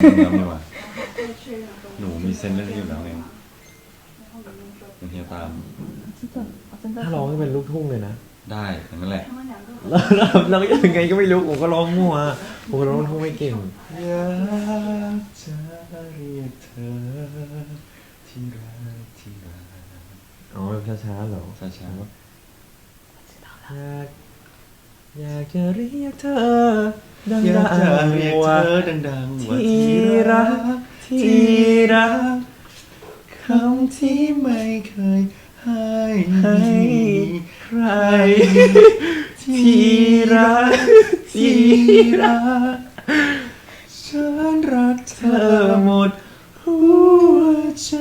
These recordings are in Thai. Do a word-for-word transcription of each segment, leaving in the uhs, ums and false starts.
แล้วนี่วะหนูมีเซนเรื่องนี้อยู่แล้วไงเป็นเฮียตามถ้าร้องจะเป็นลูกทุ่งเลยนะได้อย่างนั้นแหละแล้วเราก็ยังไงก็ไม่รู้ผมก็ร้องมั่วผมก็ร้องลูกทุ่งไม่เก่งอยากจะเรียกเธอที่รักที่รักอ๋อแบบช้าๆเหรอช้าๆอยากอยากจะเรียกเธอดังอยากจะเรียกเธอดังๆว่าที่รักที่รักคำที่ไม่เคยให้ให้ใครที่รักที่รักฉันรักเธอหมดหัวใจ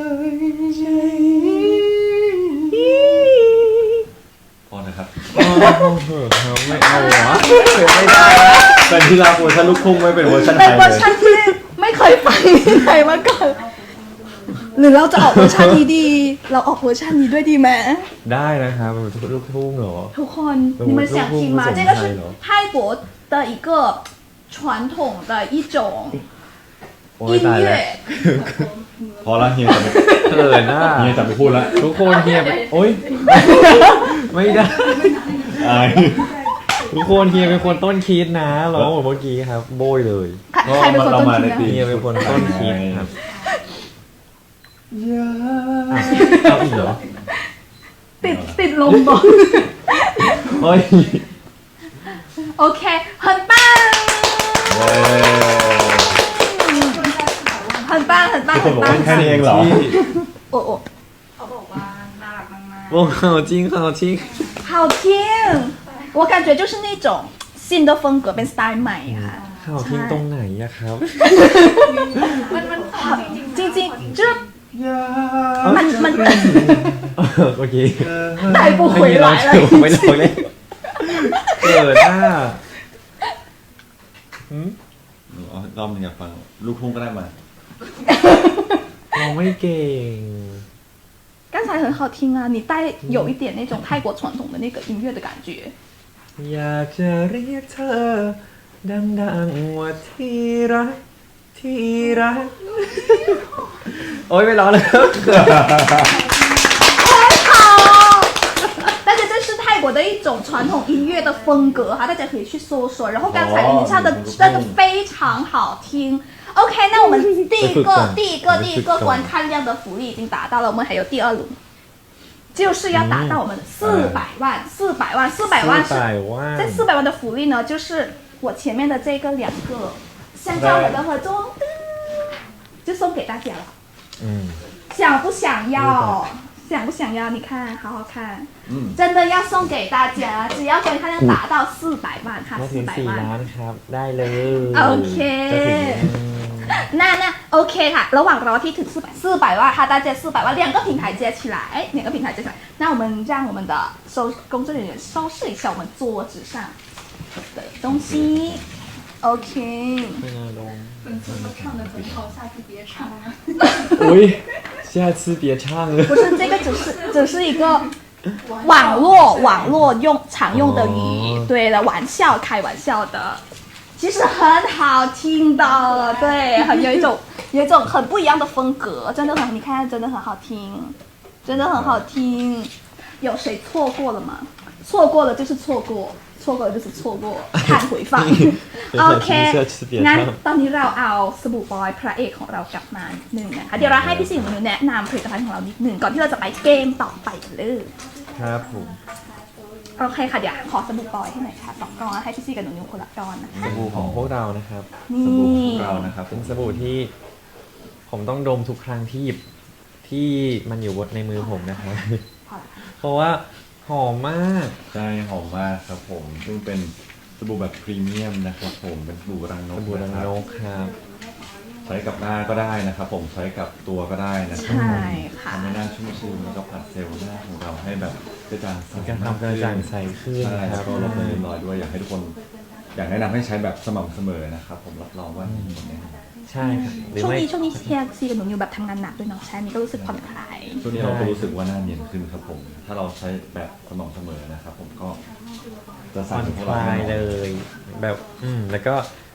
พอนะครับพอเขาไม่เอาหรอไม่ได้เป็นที่เราเวอร์ชันลูกทุ่งไม่เป็นเวอร์ชันไทยเลยเป็นเวอร์ชันที่ไม่เคยฟังที่ไหนมาก่อนหรือเราจะออกเวอร์ชันนี้ดีเราออกเวอร์ชันนี้ด้วยดีไหมได้นะครับเป็นลูกทุ่งเหรอทุกคน你们想听吗这个是泰国的一个传统的一种音乐พอละเฮียจะไม่เขินหน้าเฮียจะไม่พูดละทุกคนเฮียโอ๊ยไม่ได้ทุกคนเฮียเป็นคนต้นคิดนะร้องเหมือนเมื่อกี้ครับโบยเลยใครเป็นคนต้นคิดนะเฮียเป็นคนต้นคิดครับอยาเอาอีกเหรอติดติดลมบ่เฮ้ยโอเค很棒很棒很棒คนบอกว่าแค่นี้เองเหรอโอ้โอ้เขาบอกว่าน่ารักมากๆวงเขาจริงเขาจริง好听我感觉就是那种新的风格เป็นสไตล์ใหม่ค่ะเขาทิ้งตรงไหนอะครับมันมันจริงจริง就是มันมันโอเค带不回来了ไม่ร้องเลยเกิดหน้ารอบนึงอยากฟังลูกทุ่งก็ได้มาเราไม่เก่ง刚才很好听啊你带有一点那种泰国传统的那个音乐的感觉อยากจะเรียกเธอดังๆว่าที่รักที่รักโอ๊ยไม่ร้องแล้ว大家这是泰国的一种传统音乐的风格哈，大家可以去搜索。然后刚才你唱的真的非常好听。OK， 那我们第一个、第一个、第一个观看量的福利已经达到了，我们还有第二轮，就是要达到我们的四百万、四百万、四百万是这四百万的福利呢，就是我前面的这个两个香蕉我的合作，就送给大家了。 嗯， 想不想要？想不想要？你看，好好看，嗯，真的要送给大家，只要观看量达到四百万哈，四百万， ครับได้เลยโอเค那那 OK ค่ะระหว่างรอที่ถึง四百四百万哈大家四百万两个平台接起来两个平台接起来那我们让我们的收工作人员收拾一下我们桌子上的东西 OK ไม่น่าลง粉丝都唱的很好下次别唱了อุ๊ย下次别唱了不是这个只是只是一个网络网络用常用的语对的玩笑开玩笑的其实很好听的对很有一种有一种很不一样的风格真的很你看真的很好听真的很好听有谁错过了吗错过了就是错过错过了就是错过看回放โอเคงั้นตอนนี้เราเอาสบู่บอยพระเอกของเรากลับมาหนึ่งนะคะเดี๋ยวเราให้พี่สิงห์มาแนะนำผลิตภัณฑ์ของเรานิดหนึ่งก่อนที่เราจะไปเกมต่อไปกันเลยครับผมโอเคค่ะเดี๋ยวขอสบู่บอยให้หน่อยค่ะสองก้อนให้พี่สิงห์กับหนูนิวคนละก้อนนะคะสบู่ของพวกเรานะครับสบู่ของเรานะครับเป็นสบู่ที่ผมต้องดมทุกครั้งที่หยิบที่มันอยู่บนในมือผมนะครับเพราะว่าหอมมากใช่หอมมากครับผมซึ่งเป็นสบู่แบบพรีเมียมนะครับผมเป็นสบู่รังนกสบู่รังนกครับใช้กับหน้าก็ได้นะครับผมใช้กับตัวก็ได้นะครับใช่ค่ะทำให้หน้าชุ่มชื้นแล้วก็ผัดเซลล์หน้าของเราให้แบบกระจ่างใสการทำกระจ่างใสขึ้นนะครับก็ลดเลือนลอยด้วยอยากให้ทุกคนอยากแนะนำให้ใช้แบบสม่ำเสมอนะครับผมรับรองว่าดีแน่นอนใช่ครับช่วงนี้ช่วงนี้เฮียซีกับหนูนิวแบบทำงานหนักด้วยเนาะใช่นี่ก็รู้สึกผ่อนคลายช่วงนี้เราก็รู้สึกว่าหน้าเนียนขึ้นครับผมถ้าเราใช้แบบสม่ำเสมอนะครับผมก็จะผ่อนคลายเลยแบบอืมแล้วก็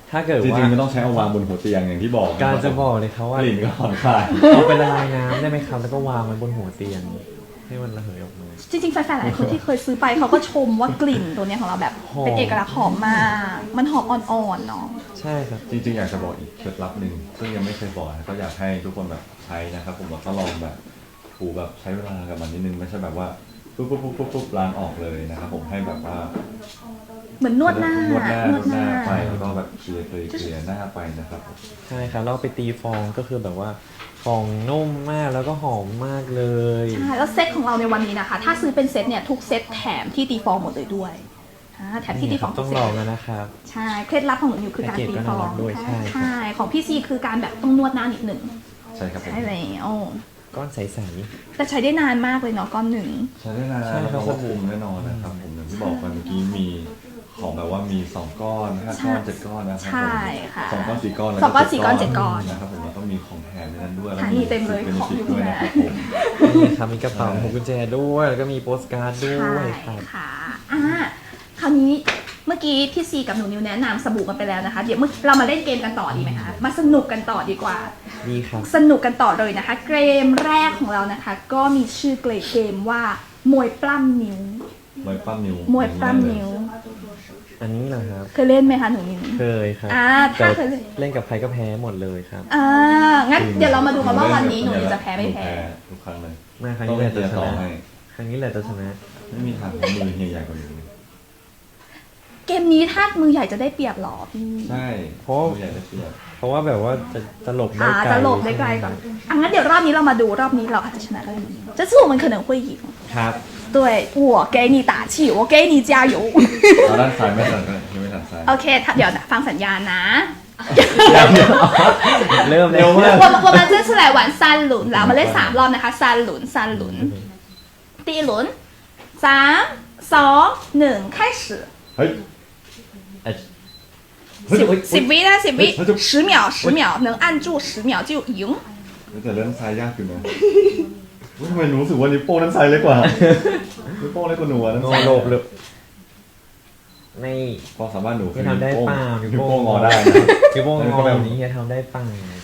ถ้าเกิดจว่าริงๆมันต้องใช้เอาวางบนหัวเตียงอย่างที่บอกการจะบอกเลยเขาว่ากลิ่นก็ผ่อนคลายเอาไปละลายน้ำได้ไหมครับแล้วก็วางไว้บนหัวเตียงให้มันระเหยออกมาจริงๆแฟนๆหลายคนที่เคยซื้อไปเขาก็ชมว่ากลิ่นตัวเนี้ยของเราแบบหอมเป็นเอกลักษณ์หอมมากมันหอมอ่อนๆเนาะใช่ครับจริงๆอยากจะบอกอีกเคล็ดลับหนึ่งซึ่งยังไม่เคยบอกนะก็อยากให้ทุกคนแบบใช้นะครับผมบอกก็ลองแบบถูแบบใช้เวลากับมันนิดนึงไม่ใช่แบบว่าปุ๊บปุ๊บปุ๊บปุ๊บปุ๊บล้างออกเลยนะครับผมให้แบบว่าเหมือนนวดหน้านวดหน้านวดหน้าไปแล้วก็แบบเคลียร์เคลียร์เคลียร์หน้าไปนะครับผมใช่ครับแล้วเอาไปตีฟองก็คือแบบว่าฟองนุ่มมากแล้วก็หอมมากเลยใช่แล้วเซตของเราในวันนี้นะคะ ถ้าซื้อเป็นเซตเนี่ยทุกเซตแถมที่ตีฟองหมดเลยด้วยอ่าแถมที่ตีฟองต้ทุอก งเซลตองแล้วนะครับใช่เคล็ดลับของหนูอยู่คือการแพ็กเกจตีก็ฟน่าอรังกด้วยใช่ใช่ของพี่ซีคือการแบบต้องนวดหน้านิดหนึ่งใช่ครับผมใช่แล้วก้อนใสแต่ใช้ได้นานมากเลยเนาะก้อนหนึ่งใช้ได้นานใช่แล้วครัก็บควบคุมแน่นอนนะครับผมอย่างที่บอกไปเมื่อกี้มีของแบบว่ามีสองก้อนห้าก้อนเจ็ดก้อนนะครับผมใช่ค่ะสองก้อนสี่ก้อนแล้วสองก้อนสี่ก้อนเจ็ดก้อนนะครับผมแล้วก็มีของแถมในนั้นด้วยแล้วค่ะนี่เต็มเลยเป็นของฟิตอยู่ด้วยแล้นะครับผมๆนี่ครับมีกระเป๋าใช่พวงกุญแจด้วยแล้วก็มีโปสการ์ดด้ใช่วยครับค่ะอ่าคราวนี้เมื่อกี้พี่ซีกับหนูนิวแนะนำสบู่กันไปแล้วนะคะ เดี๋ยวเมื่อเรามาเล่นเกมกันต่อดีไหมคะ มาสนุกกันต่อดีกว่าดีครับสนุกกันต่อเลยนะคะ เกมแรกของเรานะคะ ก็มีชื่อเกมว่ามวยปล้ำนิ้วมวยปล้ำนิ้วมวยปล้ำนิ้วอันนี้เหรอครับเคยเล่นไหมคะหนูนิวเคยครับอ่าถ้าเคยเล่นเล่นกับใครก็แพ้หมดเลยครับอ่างั้นเดี๋ยวเรามาดูกันว่าวันนี้หนูนิวจะแพ้ไม่แพ้ทุกครั้งเลยมาครั้งต้องนี้แหเล่ละนจะเตียชต่อนะให้ครั้งนี้แหละจะชนะไม่มีทางมือเฮียใหญ่กว่านี้เกมนี้ถ้ามือใหญ่จะได้เปรียบเหรอพี่ใช่เพราะมือใหญ่ได้เปรียบเพราะว่าแบบว่าจะจะหลบได้อ่าไกลจะหลบได้ไกลก่อนอ่ะงั้นเดี๋ยวรอบนี้เรามาดูรอบนี้เราอาจจะชนะก็ได้这次我们可能会赢ครับ对我给你打气我给你加油เอาด้านซ้ายไม่สั่นก็ยังไม่สั่นซ้ายโอเคถ้าเดี๋ยวฟังสัญญาณนะเริ่มเลยเร็วมาก我们我们这次来玩三轮แล้วมาเล่นสามรอบนะคะ三轮三轮第一轮สามสองหนึ่ง开始เฮ้ยสิบสิบวินะสิบวิเฮ้ย十秒十秒能按住十秒就赢แต่เล่นซ้ายยากอยู่นะเฮ้ยทำไมหนูรู้สึกว่านิ้วโป้งด้านซ้ายเล็กกว่านิ้วโป้งเล็กกว่าหนูอะด้านโนซ้ายหลบเลยไม่ความสามารถหนูคือเฮียทำได้เปล่านิ้วโป้งงอได้นะนิ้วโป้งงอแบบนี้เฮียทำได้เปล่า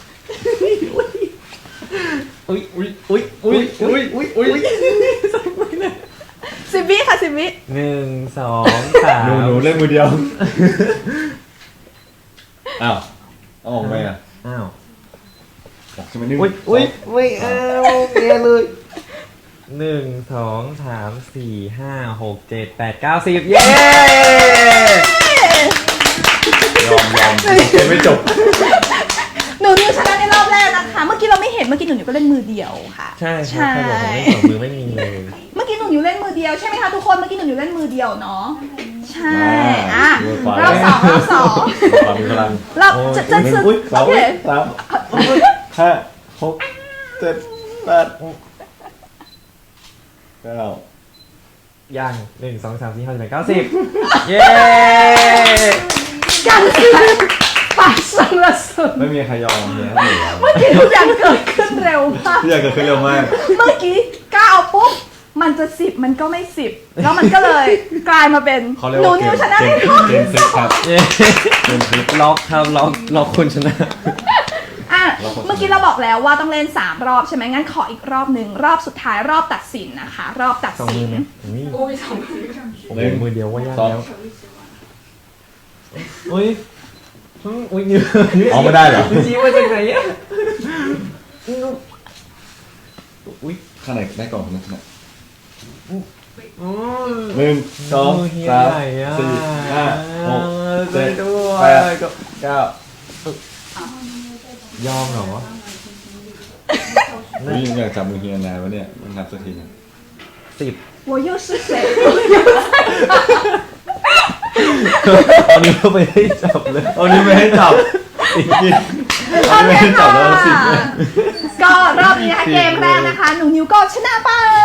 อุ้ยอุ้ยอุ้ยอุ้ยอุ้ยอุ้ยอุ้ยสิบวิค่ะสิบวิหนึ่งสองสามหนูหนูเล่นมือเดียว อ้าวเอาออกไหมอ่ะอ้าวออกใช่ไหมนิ้วอุ้ยอุ้ยอุ้ยเออโอเคเลยหนึ่งสองสามสี่ห้าหกเจ็ดแปดเก้าสิบเย้ยอมยอมยังไม่จบหนูนิวชนะในรอบแรกนะคะ เมื่อกี้เราไม่เห็นเมื่อกี้หนูนิวก็เล่นมือเดียวค่ะใช่ครับใครบอกผมเล่นสองมือไม่มีเลยเมื่อกี้หนูนิวเล่นมือเดียวใช่ไหมคะทุกคนเมื่อกี้หนูนิวเล่นมือเดียวเนาะใช่อ่ะรอบสองรอบสองความมีพลังรอบจะจะซื้ออุ้ยสาโอมเคสามห้าหกเจ็ดแปดเก้าย่างหนึ่งสองสามสี่ห้าหกเจ็ดแปดเก้าสิบเย้การซื้อ发生了什么ไม่มีใครยอมเนี่ยเมื่อกี้ทุกอย่างเกิดขึ้นเร็วมากพี่อยากเกิดขึ้นเร็วมากเมื่อกี้ก้าวปุ๊บมันจะสิบมันก็ไม่สิบแล้วมันก็เลยกลายมาเป็นเขาเรียกหนูว่าเกนิวมชนะเกในมรอบเกมซิกครับเย้เกมซิกล็อกครับล็อกล็อกคุณชนะอ่ะเมื่อกี้เราบอกแล้วว่าต้องเล่นสามรอบใช่ไหมงั้นขออีกรอบหนึ่งรอบสุดท้ายรอบตัดสินนะคะ รอบตัดสองสิมือน ไหมอุ้ยโอ้ยสองมือผมเป็นมือเดียวว่ายากสองแล้วอุ้ยอุ้ยนิ้วอ๋อไม่ได้เหรอชี้มาจากไหนอ่ะอุ้ยข้างไหนได้ก่อนนะเนี่ยอืมหนึ่งสองเฮียสามไหนอะสี่ห้าหกเจ็ดช่วยด้วยแปดเก้ายอมเหรอนี่อยากจับมือเฮียนานวะเนี่ยมันนับสักทีเนี่ยสิบ我又是谁ตอนนี้เราไปให้จับเลยเอานี้ไม่ให้จับอีกทีโอไม่เคให้จัค่ะบแล้วสิบก็รอบนี้นะคะเกมแรกนะคะ หนูนิวก็ชนะไป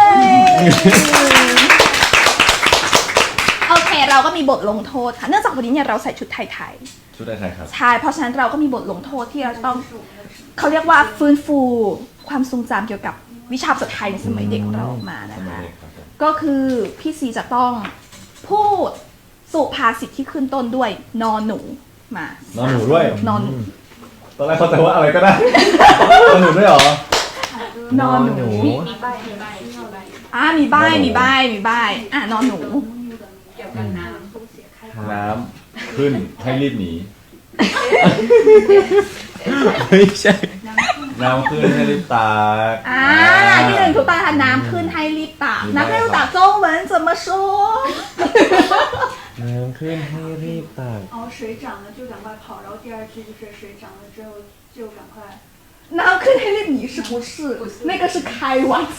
โอเคเราก็มีบทลงโทษค่ะเนื่องจากวันนี้เนี่ยเราใส่ชุดไทยชุดไทยครับๆใช่เพราะฉะนั้นเราก็มีบทลงโทษที่เราต้องเขาเรียกว่าฟื้นฟูความทรงจำเกี่ยวกับวิชาภาษาไทยในสมัยเด็กของเราออกมาสนะมัยคะเด็กครับผมก็คือพี่ซีจะต้องพูดสุภาษิตที่ขึ้นต้นด้วยนอหนูมานอนหนูด้วยนอนหนูตอนแรกเขาใจว่าอะไรก็ได้ นอนหนูด้วยเหรอนอนหนูมีใบมีใบมีใบอ่ามีใบมีใบมีใบอ่ะนอนหนูเกี่ยวกับน้ำน้ำขึ้นให้รีบหนีไม่ใช่น้ำขึ้นให้รีบตากอ่าที่หนึ่งถูกต้องค่ะน้ำขึ้นให้รีบตักมีใบน้ำให้รีบตัก中文怎么说น้ำขึ้นให้รีบตัก然后水涨了就赶快跑，然后第二句就是水涨了之后就赶快。 น้ำขึ้นให้รีบหนี是不是那个是开玩笑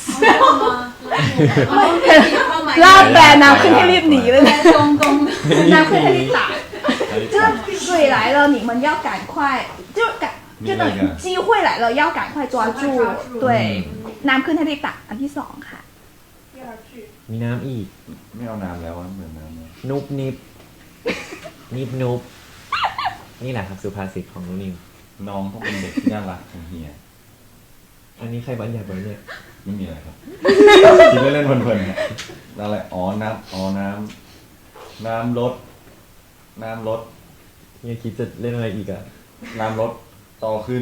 ลาบแบรนด์น้ำขึ้นให้รีบหนีเลยนะ东东， น้ำขึ้นให้รีบตักให้รีบ就ตาก是水来了，你们要赶快，就赶，就等于机会来了，要赶快抓住。对，น้ำขึ้นให้รีบตักอันที่สองค่ะ第二句มีน้ำอีกไม่เอาน้ำแล้วอะเหมือนน้ำเลยนุบนิบนิบนุบนี่แหละครับสุภาษิตของนุนิวน้องต้องเป็นเด็กที่น่ารักของเฮียอันนี้ใครบัญญัติไว้เนี่ยไม่มีอะไรครับ คิดเล่นๆเพลินๆครับอะไรอ๋อน้ำอ๋อน้ำน้ำลดน้ำลดเฮียคิดจะเล่นอะไรอีกอะน้ำลดโตขึ้น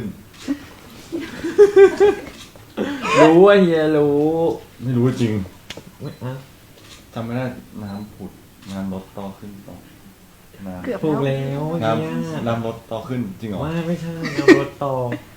รู้ว่าเฮียรู้ไม่รู้จริงไม่อ่ะจำไม่ได้น้ำผุดน้ำลดโตขึ้นโตน้ำเกือบถูกแล้วแล้วน้เฮียำน้ำลดโตขึ้นจริงเหรอว่าไม่ใช่น้ำรถต่อ